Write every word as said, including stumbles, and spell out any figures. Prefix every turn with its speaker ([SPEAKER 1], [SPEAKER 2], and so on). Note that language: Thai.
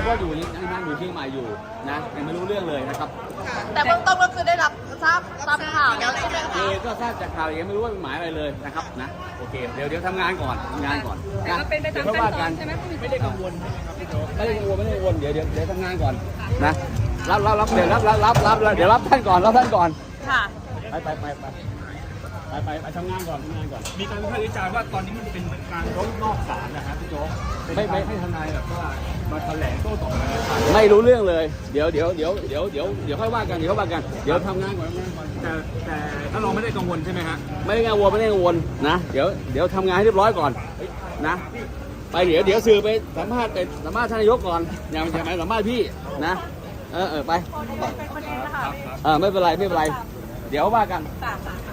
[SPEAKER 1] ก็อยู่ยังนั่งอยู่เชียงใหม่อยู่นะยังไม่รู้เรื่องเลยนะครับ
[SPEAKER 2] แต่เบื้องต้นก็คือได้รับทราบทราบข่าวแล้วใช่ไหม
[SPEAKER 1] เอ
[SPEAKER 2] คะ
[SPEAKER 1] อก็ทราบจากข่าวยังไม่รู้ว่าเป็นหมายอะไรเลยนะครับนะโอเคเดี๋ยวเดี๋ยวทำงานก่อนทำงานก่อน
[SPEAKER 3] แต่ก็เป็นไปตามขั้นตอนใช่ไหมไม่ได้กังวล
[SPEAKER 1] ไม่ได้กังวลไม่ได้กังวลเดี๋ยวเดี๋ยวเดี๋ยวทำงานก่อนนะรับรับรับเดี๋ยวรับรับรับรับเดี๋ยวรับท่านก่อนรับท่านก่อน
[SPEAKER 2] ค่ะ
[SPEAKER 1] ไปไปไปไปไปไปไปทำงานก่อนทำงานก่อน
[SPEAKER 4] มีการวิพากษ์วิจารณ์ว่าตอนนี้มันเป็นเหมือนการร้องนอกศาลนะครับพี่โจ๊กเป็น
[SPEAKER 1] ไม่ไม่
[SPEAKER 4] การให้ทนายแบบว่ามาแถลงโต้ตอบในศาล
[SPEAKER 1] ไม่รู้เรื่องเลยเดี๋ยวเดี๋ยวเดี๋ยวเดี๋ยวเดี๋ยวเดี๋ยวค่อยว่ากันเดี๋ยวค่อยว่ากันเดี๋ยวทำงานก่อนทำงานก่อน
[SPEAKER 4] แต่แต่ถ้าเราไม่ได้กังวลใช่ไหมฮะ
[SPEAKER 1] ไม่ได้กังวลไม่ได้กังวลนะเดี๋ยวเดี๋ยวทำงานให้เรียบร้อยก่อนนะไปเดี๋ยวเดี๋ยวสื่อไปสัมภาษณ์ไปสัมภาษณ์ท่านนายกก่อนอย่าอย่ามาสัมภาษณ์พี่นะเออเออไปเออไม่เป็นไรไม่เป็นไรเดี๋ยวว่ากัน
[SPEAKER 2] ค่ะ